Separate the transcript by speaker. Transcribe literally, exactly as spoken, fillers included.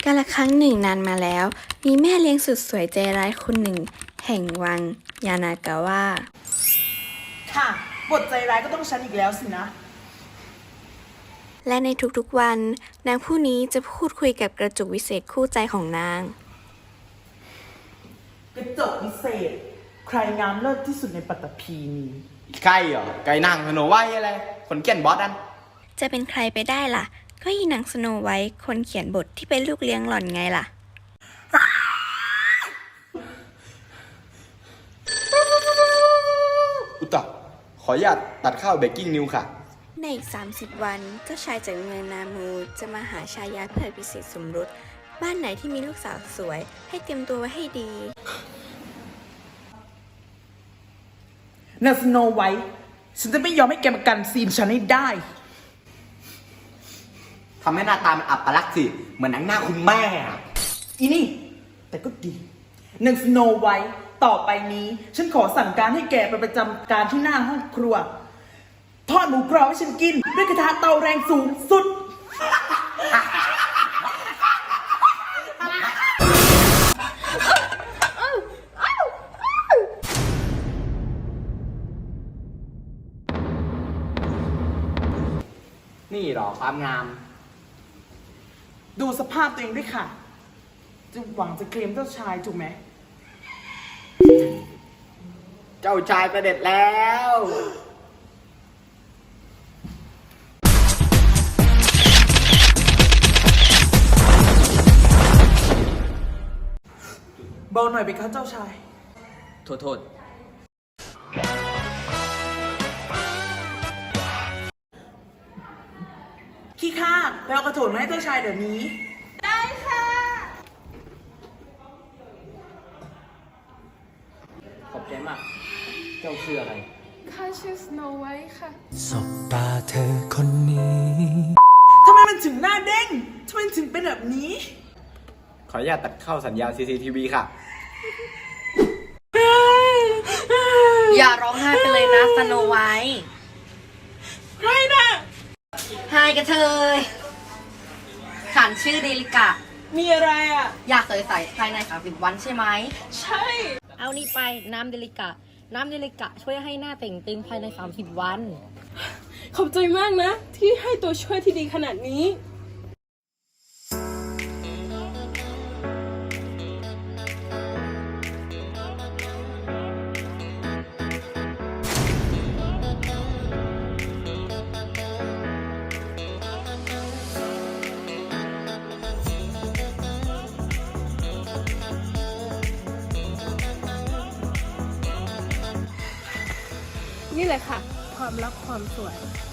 Speaker 1: กาลครั้งหนึ่งนานมาแล้วมีแม่เลี้ยงสุดสวยใจร้ายคนหนึ่งแห่งวังยานากาวะ
Speaker 2: ค่ะบทใจร้ายก็ต้องฉันอีกแล้วสินะ
Speaker 1: และในทุกๆวันนางผู้นี้จะพูดคุยกับกระจุกวิเศษคู่ใจของนาง
Speaker 2: กระจกวิเศษใครงามเลิศที่สุดในปัตตภีนี้
Speaker 3: ใครเหรอไก่นางสโนไวท์อะไรคนเขียนบอสอัน
Speaker 1: จะเป็นใครไปได้ล่ะก็ยีนางสโนไวท์คนเขียนบทที่เป็นลูกเลี้ยงหล่อนไงล่ะ
Speaker 3: อุตตะขออนุญาตตัดข้าวเบกกิ้งนิวค่ะ
Speaker 1: ในอีกสามสิบวันเจ้าชายจากเมืองนามูจะมาหาชายาเพื่อพิเศษสมรสบ้านไหนที่มีลูกสาวสวยให้เตรียมตัวไว้ให้ดี
Speaker 2: นางสโนไวท์ฉันจะไม่ยอมให้แกมากันซีนฉันให้ได้
Speaker 3: ทำให้หน้าตามันอับปลักษณ์สิเหมือนหนังหน้าคุณแม่
Speaker 2: อีนี่แต่ก็ดีนางสโนไวท์ต่อไปนี้ฉันขอสั่งการให้แกไปประจำการที่หน้าห้องครัวทอดหมูกรอบให้ฉันกินด้วยกระทะเตาแรงสูงสุด
Speaker 3: นี่หรอความงาม
Speaker 2: ดูสภาพตัวเองด้วยค่ะจะหวังจะเคลมเจ้าชายถูกไหม
Speaker 3: เจ้าชายประเด็จแล้ว
Speaker 2: เบาหน่อยไปครับเจ้าชาย
Speaker 3: โทษโทษ
Speaker 2: ขี้ข้าไปเอากระโถนมาให้เจ้าชายเดี๋ยวนี้ได้ค่ะ
Speaker 3: ขอบใจมากเจ้าชื่ออะไร
Speaker 4: ข้าชื่อสโนไวท์ค่ะ
Speaker 5: สบตาเธอคนนี้
Speaker 2: ทำไมมันถึงหน้าเด้งทำไมถึงเป็นแบบนี้
Speaker 3: ขออนุญาตตัดเข้าสัญญาณ ซี ซี ที วี ค่ะ
Speaker 6: อย่าร้องไห้ไปเลยนะสโนไวท์
Speaker 2: ใครนะ
Speaker 6: ไฮกระเทยฉันชื่อเดลิกะ
Speaker 2: มีอะไรอ่ะ
Speaker 6: อยากใส่ใส่ภายในสามสิบวันใช่ไหม
Speaker 2: ใช่
Speaker 6: เอานี่ไปน้ำเดลิกะน้ำเดลิกะช่วยให้หน้าเต่งตึงภายในสามสิบวัน
Speaker 4: ขอบใจมากนะที่ให้ตัวช่วยที่ดีขนาดนี้นี่แหละค่ะความรักความสวย